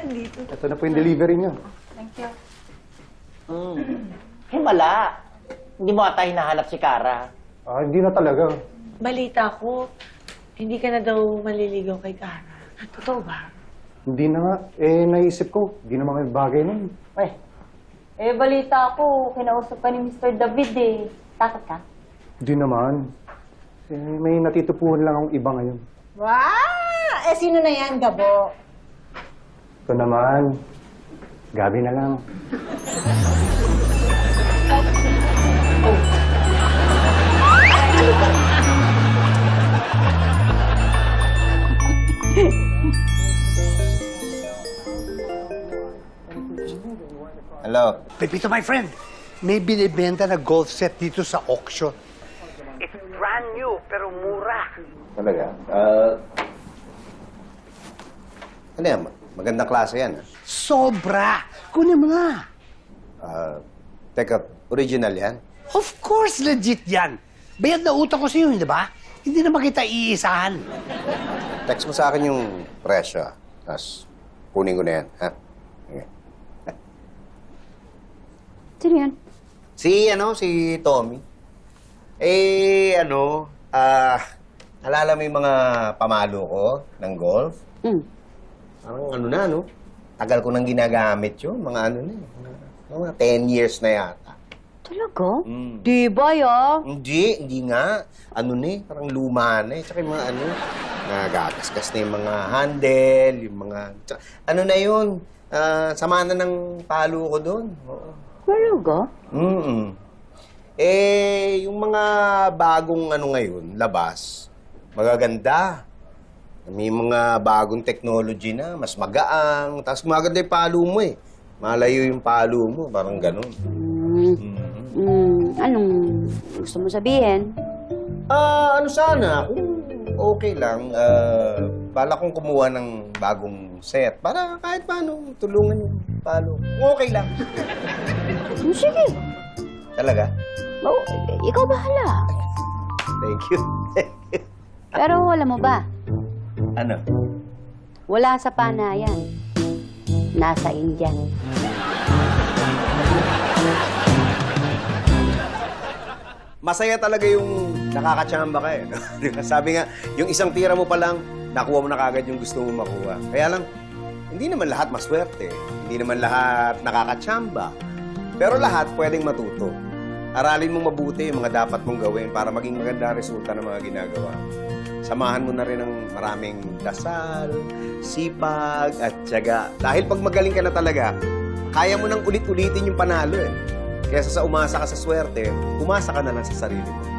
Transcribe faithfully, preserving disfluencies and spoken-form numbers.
nandito. Ito na po yung delivery niyo. Thank you. Hmm. Himala. Hindi mo ata hinahanap si Kara. Ah, hindi na talaga. Balita ko, hindi ka na daw maliligaw kay Kara. Totoo ba? Hindi na nga. Eh, naisip ko, hindi naman may bagay nun. Eh, Eh, balita ko, kinausap ka ni Mister David eh. Takot ka? Hindi naman. Eh, may natitupuhan lang akong iba ngayon. Wow! Eh, sino na yan, Gabo? Ito naman. Gabi na lang. Hello. Pepito, my friend, may binibenta na golf set dito sa auction. It's brand new, pero mura. Talaga? Uh, ano yan? Magandang klase yan. ah. Sobra! Kunin mo na. Uh, teka, original yan? Of course, legit yan. Bayad na utang ko sa'yo, di ba? Hindi naman kita iisahan. Text mo sa akin yung presyo. ah. Tapos, kunin ko na yan. Ha? Okay. Sino yan? Si, ano, si Tommy. Eh, ano, ah, alala mo yung mga pamalo ko ng golf? Hmm. Parang ano na, no? Tagal ko nang ginagamit yun. Mga ano na, eh, mga, mga ten years na yata. Talaga? Mm. Di ba, ya? Hindi, hindi nga. Ano na eh, parang luma na eh. Tsaka yung mga ano, nagagasgas na yung mga handle, yung mga... Tsaka, ano na yun, ah, sama na ng palo ko doon. Oo. Talaga? Mm Eh, yung mga bagong ano ngayon, labas, magaganda. May mga bagong technology na, mas magaang. Tapos maganda yung palo mo eh. Malayo yung palo mo, parang ganun. Hmm. Mm. Hmm. Anong gusto mo sabihin? Ah, ano sana, kung okay lang, ah, bala kong kumuha ng bagong set para kahit paano tulungan yung palo. Kung okay lang. Hmm, sige. Talaga? Oh, ikaw bahala. Thank you. Pero alam mo ba, Ano? wala sa panayan. Nasa Indian. Masaya talaga yung nakakatsamba ka eh. no? Di ba? Sabi nga, yung isang tira mo pa lang, nakuha mo na kagad yung gusto mo makuha. Kaya lang, hindi naman lahat maswerte. Hindi naman lahat nakakatsamba. Pero lahat pwedeng matuto. Aralin mong mabuti yung mga dapat mong gawin para maging maganda ang resulta ng mga ginagawa. Samahan mo na rin ng maraming dasal, sipag, at tiyaga. Dahil pag magaling ka na talaga, kaya mo nang ulit-ulitin yung panalo eh. Kaya sa umasa ka sa swerte, umasa ka na lang sa sarili mo.